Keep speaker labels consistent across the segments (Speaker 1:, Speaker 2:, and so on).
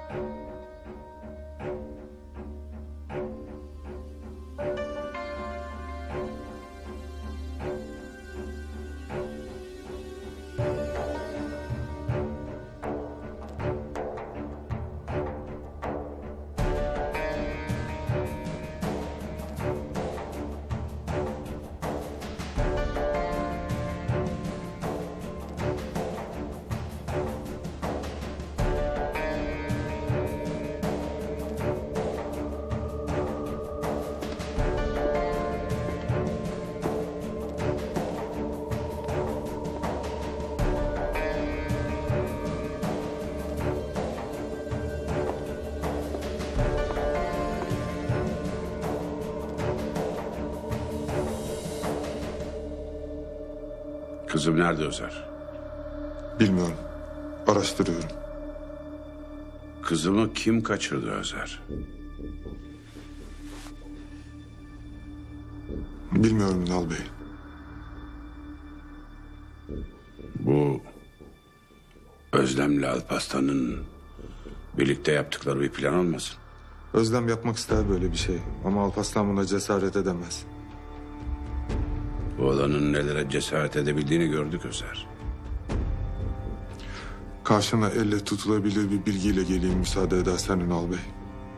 Speaker 1: Kızım nerede Özer?
Speaker 2: Bilmiyorum. Araştırıyorum.
Speaker 1: Kızımı kim kaçırdı Özer?
Speaker 2: Bilmiyorum Ünal Bey.
Speaker 1: Bu Özlem'le Alparslan'ın birlikte yaptıkları bir plan olmasın?
Speaker 2: Özlem yapmak ister böyle bir şey. Ama Alparslan buna cesaret edemez.
Speaker 1: Bu olanın nelere cesaret edebildiğini gördük Özer.
Speaker 2: Karşına elle tutulabilir bir bilgiyle geleyim müsaade edersen Ünal Bey.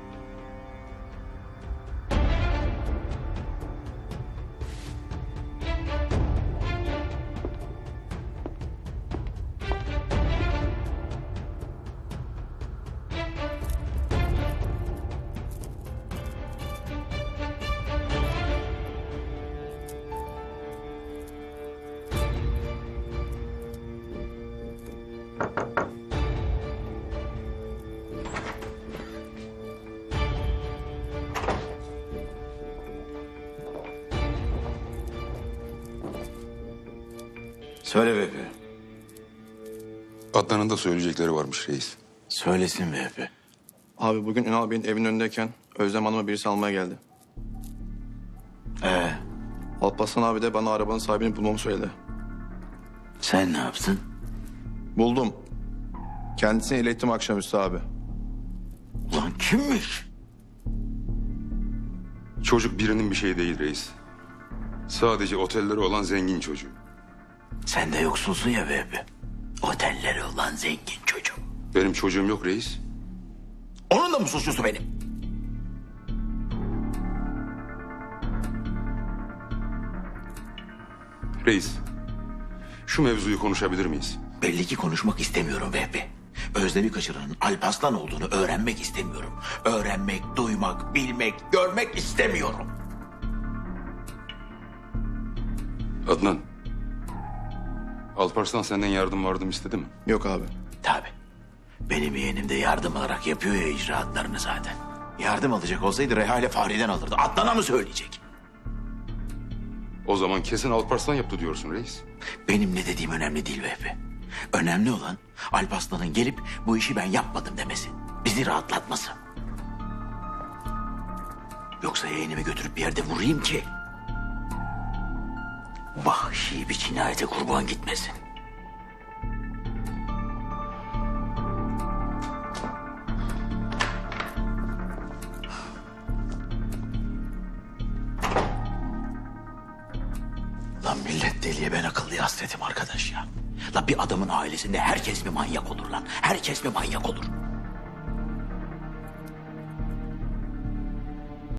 Speaker 3: Söyle Vehbi.
Speaker 4: Adnan'ın da söyleyecekleri varmış reis.
Speaker 3: Söylesin Vehbi.
Speaker 5: Abi bugün Ünal Bey'in evinin önündeyken Özlem Hanım'a birisi almaya geldi. Alparslan abi de bana arabanın sahibini bulmamı söyledi.
Speaker 3: Sen ne yaptın?
Speaker 5: Buldum. Kendisine ilettim akşamüstü abi.
Speaker 3: Ulan kimmiş?
Speaker 4: Çocuk birinin bir şeyi değil reis. Sadece otelleri olan zengin çocuğu.
Speaker 3: Sen de yoksulsun ya Vehbi. Otelleri olan zengin çocuk.
Speaker 4: Benim çocuğum yok reis.
Speaker 3: Onun da mı suçlusu benim?
Speaker 4: Reis, şu mevzuyu konuşabilir miyiz?
Speaker 3: Belli ki konuşmak istemiyorum Vehbi. Özlem'i kaçıranın Alparslan olduğunu öğrenmek istemiyorum. Öğrenmek, duymak, bilmek, görmek istemiyorum.
Speaker 4: Adnan, Alparslan senden yardım istedi mi?
Speaker 5: Yok abi.
Speaker 3: Tabii. Benim yeğenim de yardım alarak yapıyor ya icraatlarını zaten. Yardım alacak olsaydı Reha ile Fahri'den alırdı. Adnan'a mı söyleyecek?
Speaker 4: O zaman kesin Alparslan yaptı diyorsun reis.
Speaker 3: Benim ne dediğim önemli değil Vehbi. Önemli olan Alparslan'ın gelip bu işi ben yapmadım demesi. Bizi rahatlatması. Yoksa yeğenimi götürüp bir yerde vurayım ki vahşi bir cinayete kurban gitmesin. Lan millet deliye ben akıllıya hasretim arkadaş ya. Lan bir adamın ailesinde herkes mi manyak olur lan? Herkes mi manyak olur?